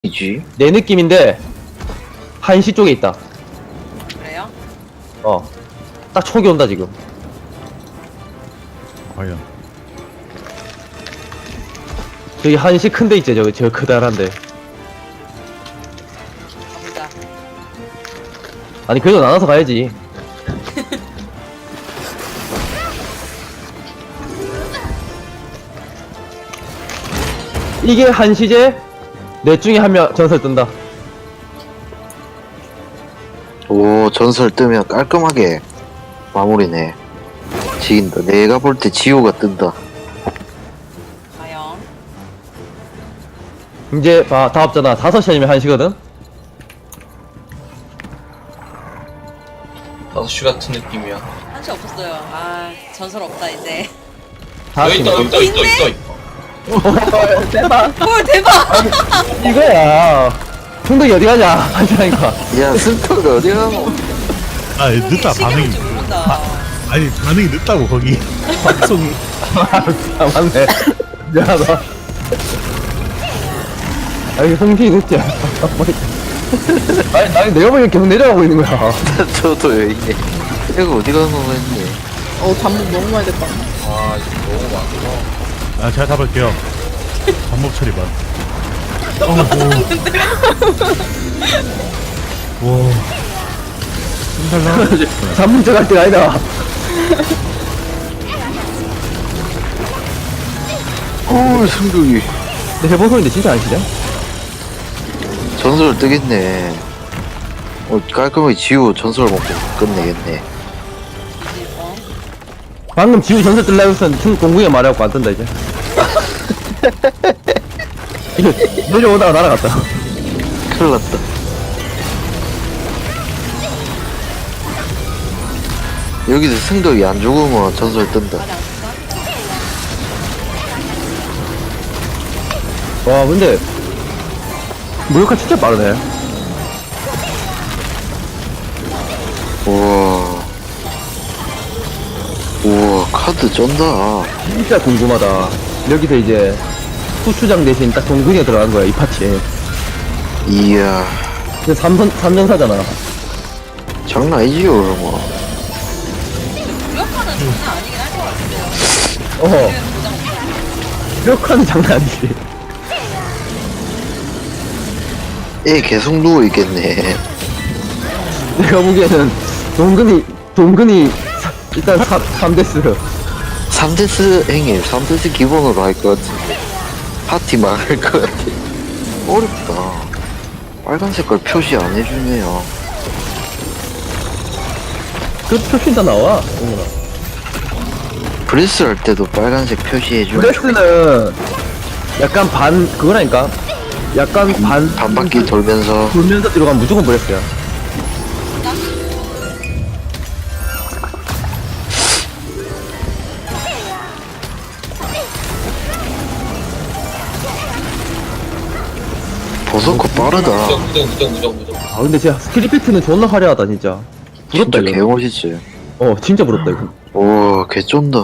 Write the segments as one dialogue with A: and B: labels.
A: 이지?
B: 내 느낌인데 한시 쪽에 있다.
C: 그래요?
B: 딱 촉이 온다 지금.
D: 과연
B: 저기 한시 큰데 있지, 저 크다란데.
C: 가보자.
B: 아니 그래도 나눠서 가야지. 이게 한시제? 넷 중에 한 명 전설 뜬다.
A: 오, 전설 뜨면 깔끔하게 마무리네. 지긴다. 내가 볼 때 지호가 뜬다.
C: 과연?
B: 이제 봐, 다 없잖아. 5시 아니면 한시거든?
E: 5시 같은 느낌이야.
C: 한시 없었어요. 아, 전설 없다, 이제.
E: 여기 있다, 여기 있다, 있다, 있다.
B: 대박.
C: 헐, 대박!
B: 이거야. 충덕이 어디 가냐? 한시라니까.
A: 야, 스토가 어디 가노?
D: 아 늦다 반응이
C: 모른다.
D: 아니 반응이 늦다고 거기 방송이
B: 아, 맞네. 미안하다. 아니, 성질이 늦지. 아니, 내가 보니까 계속 내려가고 있는 거야.
A: 저도 여기. 이거 어디 가노 했네.
F: 잠복 너무 많이 됐다.
E: 아, 이거 너무 많구나.
D: 아 제가 잡을게요 반복 처리만 와 힘들나?
B: 잠문자 갈 때가 아니다.
A: 오, 승국이.
B: 근데 해본 소리인데 진짜 아니시냐?
A: 전설 뜨겠네. 깔끔하게 지호 전설 먹고 끝내겠네.
C: 어?
B: 방금 지우 전설 뜰라고 했던 공궁에 말해갖고 안 뜬다, 이제. 이거 내려오다가 날아갔다.
A: 큰일 났다. 여기서 승덕이 안 죽으면 전설 뜬다.
C: 아직 안 썼어?
B: 와, 근데 무력화 진짜 빠르네.
A: 우와. 우와, 카드 쩐다.
B: 진짜 궁금하다. 여기서 이제 후추장 대신 딱 동근이가 들어간 거야, 이 파티에.
A: 이야.
B: 근데 삼전사잖아.
A: 장난 아니지요, 그러면.
C: 무력화는 장난 아니긴 할 것 같은데요.
B: 어,
C: 지금 도장 없어.
B: 무력화는 장난 아니지.
A: 애 계속 누워있겠네.
B: 내가 보기에는 동근이 일단 3데스.
A: 3데스 행님, 3데스 기본으로 할 것 같은데. 파티 망할 것 같아. 어렵다. 빨간 색깔 표시 안 해주네요.
B: 그 표시 다 나와, 동근아.
A: 브레스 할 때도 빨간색 표시해주면
B: 브레스는 약간 그거라니까? 약간
A: 반 바퀴 돌면서.
B: 돌면서 들어가면 무조건 브레스야.
A: 버섯코 빠르다.
E: 무정.
B: 아, 근데 진짜 스킬 이펙트는 존나 화려하다, 진짜. 부럽다,
A: 진짜
B: 이거.
A: 개멋있지.
B: 진짜 부럽다, 이거.
A: 오, 개쩐다.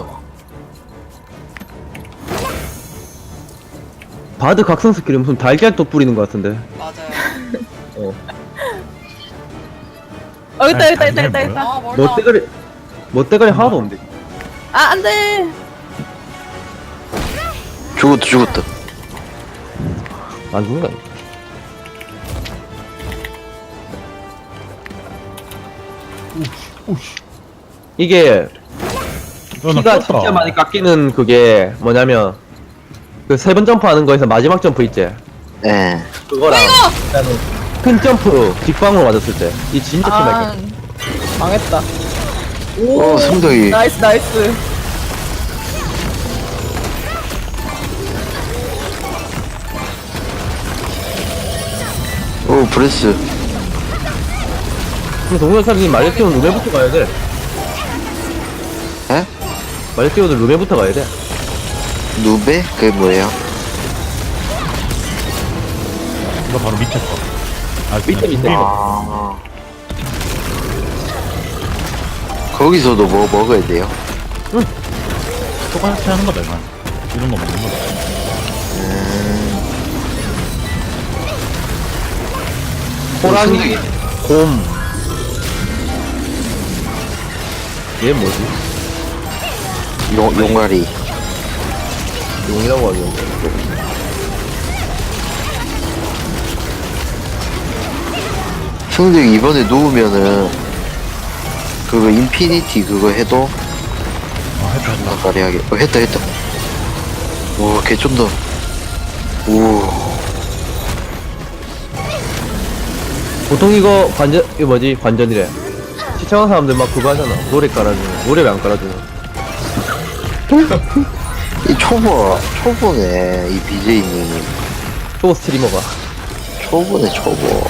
B: 바드 각성 스킬이 무슨 달걀도 뿌리는 것 같은데.
C: 맞아요.
F: 있다.
C: 아, 멀다.
B: 멋대가리 하나도 없는데.
F: 아, 안 돼.
A: 죽었다.
B: 안 죽는 거 아니야?
D: 오씨
B: 이게
D: 나
B: 피가
D: 꼈다.
B: 진짜 많이 깎이는 그게 뭐냐면 그 3번 점프하는 거에서 마지막 점프 있지?
A: 예.
B: 그거랑 일단은 큰 점프 직방으로 맞았을 때 이 진짜
F: 아,
B: 피가
F: 망했다.
A: 승덕이.
F: 나이스.
A: 오, 브레스.
B: 그럼 동영상이 말려 띄우는 룸에부터 가야 돼.
A: 에?
B: 말려 띄우는 룸에부터 가야 돼.
A: 누베? 그게 뭐예요?
D: 이거 바로 밑에 거
B: 밑에.
A: 아. 거기서도 뭐 먹어야 돼요?
D: 똑같이 하는 거다 이건 이런 거 먹는 거다
B: 호랑이, 곰. 얘 뭐지?
A: 용가리.
B: 용이라고 하죠.
A: 승득 이번에 누우면은 그거 인피니티 그거 해도
D: 아 했다 했다.
A: 나가리하게. 했다. 와 개쩐다. 오.
B: 보통 이거 이거 뭐지? 관전이래. 시청한 사람들 막 그거 하잖아. 노래 깔아주는. 노래 왜 안 깔아주는?
A: 이 초보네 이 BJ님.
B: 또 스트리머가.
A: 초보네 초보.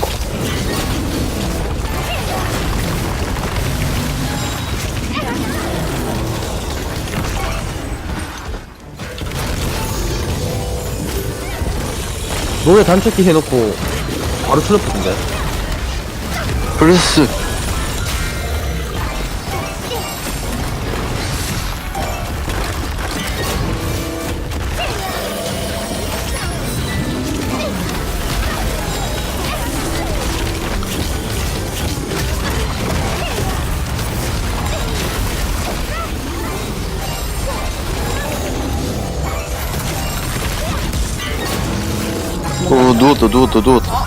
B: 노래 단축키 해놓고 바로 틀어붙은데.
A: 플러스. 오 누웠다.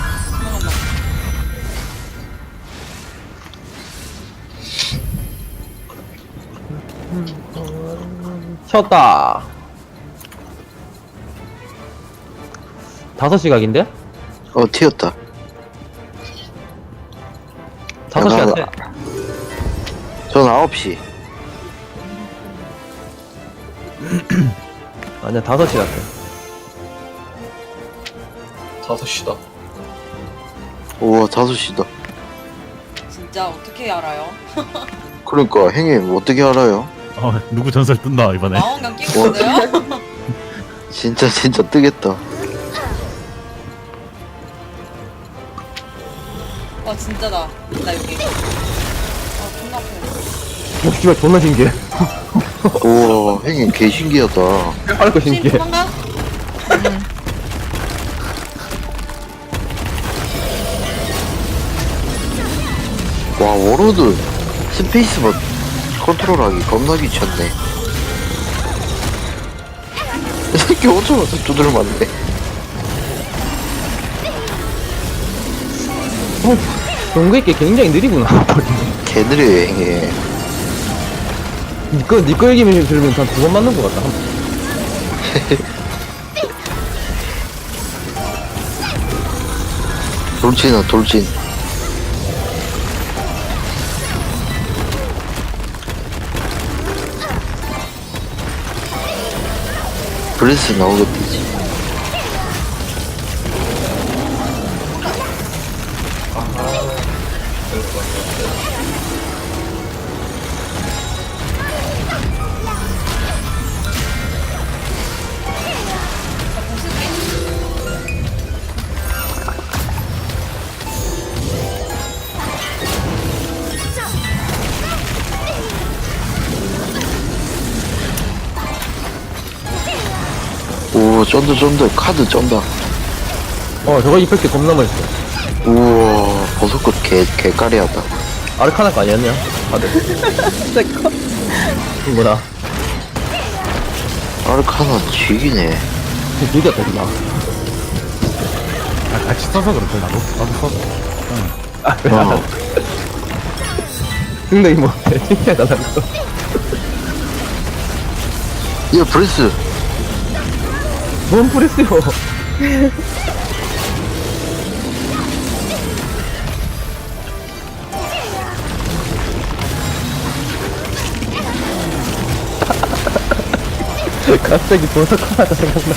B: 쳤다. 5시 각인데?
A: 튀었다.
B: 5시
A: 야,
B: 같아.
A: 전 9시.
B: 아니야, 5시 같아.
E: 5시다.
A: 우와 5시다.
C: 진짜 어떻게 알아요?
A: 그러니까 형님 어떻게 알아요?
D: 누구 전설 뜬다 이번에.
C: 망원경 끼고 있어요?
A: 진짜 뜨겠다.
C: 와 진짜다. 나 여기. 아 존나 아프네.
B: 오, 씨발, 존나 신기해.
A: 우와 형님 개 신기하다.
B: 빠르고
C: 신
B: 신기해.
C: 도망가?
A: 와 워로드 스페이스바 컨트롤하기 겁나 귀찮네. 이 새끼 어쩌면서 두드려 맞네.
B: 동그있게 굉장히 느리구나.
A: 개 느려요 형님.
B: 니꺼 얘기면 들으면 한 2번 맞는 것 같다.
A: 돌진. 브레스 나오겠지. 오 쩐다 카드 쩐다.
B: 저거 이펙트 겁나 멋있어.
A: 우와 버섯꽃 개까리하다.
B: 아르카나 거 아니었냐? 다들.
F: 내꺼.
B: 뭐라.
A: 아르카나 쥐기네.
B: 느렸다, 그냥.
D: 같이 써서 그렇대 나도 써서.
A: 어.
B: 근데 이거 신기하다, 나 이거.
A: 야 브레스.
B: 뭔 프레스요? 갑자기 버섯 하나가 생각나.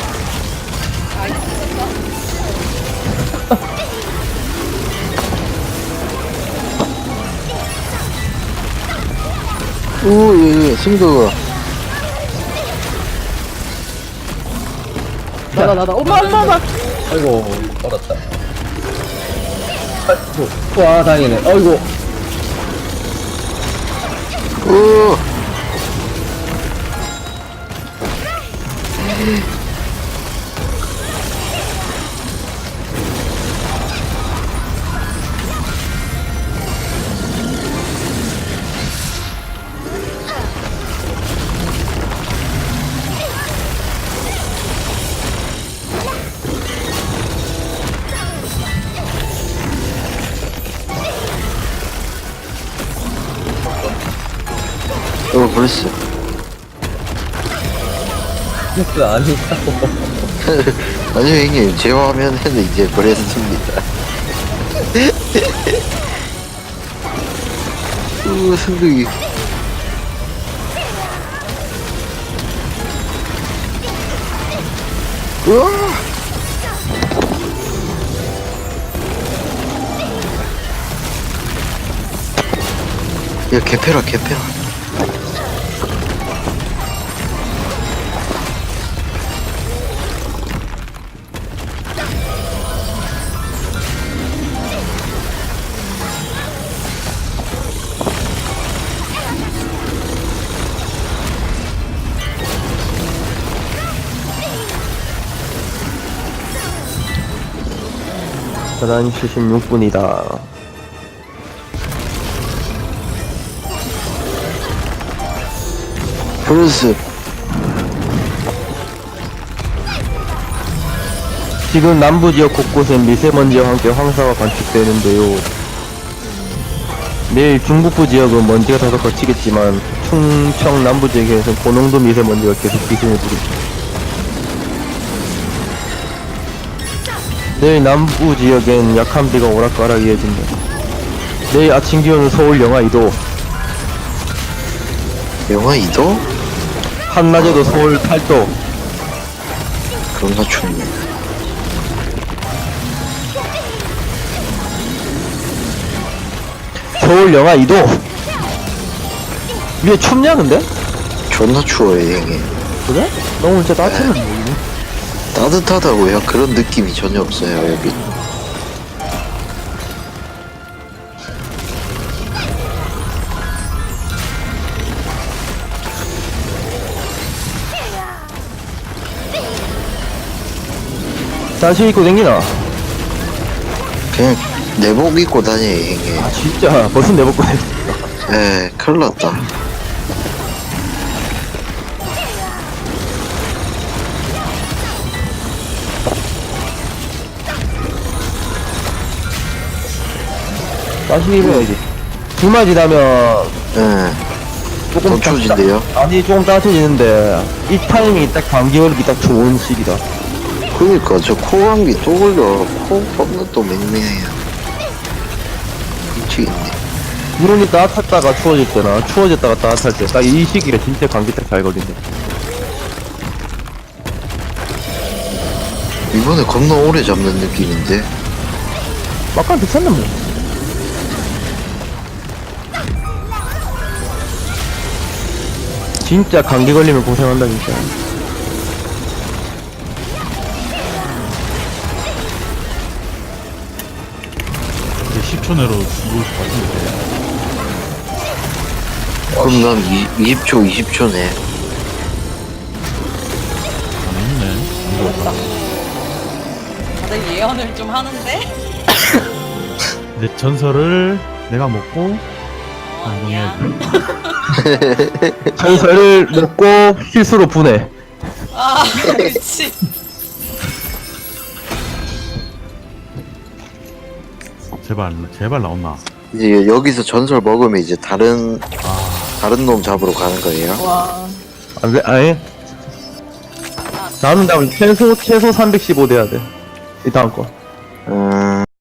A: 오예 승도가.
F: 나다. 엄마.
B: 아이고, 떨었다. 아이고, 와, 다행이네. 아이고.
A: 오. 벌써.
B: 그 아니라고.
A: 아니요, 형님. 제 화면에는 이제 그랬습니다. 승득이. 우와! 야, 개패라, 개패라.
B: 계단 76분이다.
A: 브루스.
B: 지금 남부 지역 곳곳엔 미세먼지와 함께 황사가 관측되는데요. 내일 중북부 지역은 먼지가 다소 거치겠지만 충청 남부 지역에서는 고농도 미세먼지가 계속 기승을 부립니다. 내일 남부 지역엔 약한 비가 오락가락 이어진다. 내일 아침 기온은 서울 영하 2도,
A: 영하 2도?
B: 한낮에도 서울 8도.
A: 그런가 춥네.
B: 서울 영하 2도. 위에 춥냐 근데?
A: 존나 추워요, 형님.
B: 그래? 너무 진짜 따뜻한데 여기는.
A: 따뜻하다고요? 그런 느낌이 전혀 없어요, 여기.
B: 사실 입고 댕기나?
A: 그냥 내복 입고 다녀요, 형님.
B: 아 진짜 벌써 내벗고 댕기.
A: 에, 큰일 났다.
B: 사실 입어야지. 주말 지나면
A: 에,
B: 조금
A: 더 추워진대요?
B: 아니 조금 따뜻해지는데 이 타이밍이 딱 감기 걸리기 딱 좋은 시기다.
A: 그니까, 저 코감기 또 걸려. 코 겁나 또 맹맹해요. 미치겠네.
B: 기온이 따뜻했다가 추워질 때나 추워졌다가 따뜻할 때 딱 이 시기가 진짜 감기 딱 잘 걸린다.
A: 이번에 겁나 오래 잡는 느낌인데.
B: 막간 괜찮네 뭐. 진짜 감기 걸리면 고생한다 진짜.
D: 이제 10초 내로 죽을 것 같은데.
A: 그럼 난 20초, 20초네.
D: 안 했네.
C: 다들 예언을 좀 하는데?
D: 내 전설을 내가 먹고
C: 아니야.
B: 전설을 먹고 실수로 분해.
C: 아, 그치.
D: 제발 나온나.
A: 이제 여기서 전설 먹으면 이제 다른 놈 잡으러 가는 거예요?
C: 와.
B: 안 돼, 아니. 나는 최소 315 돼야 돼. 이 다음 거.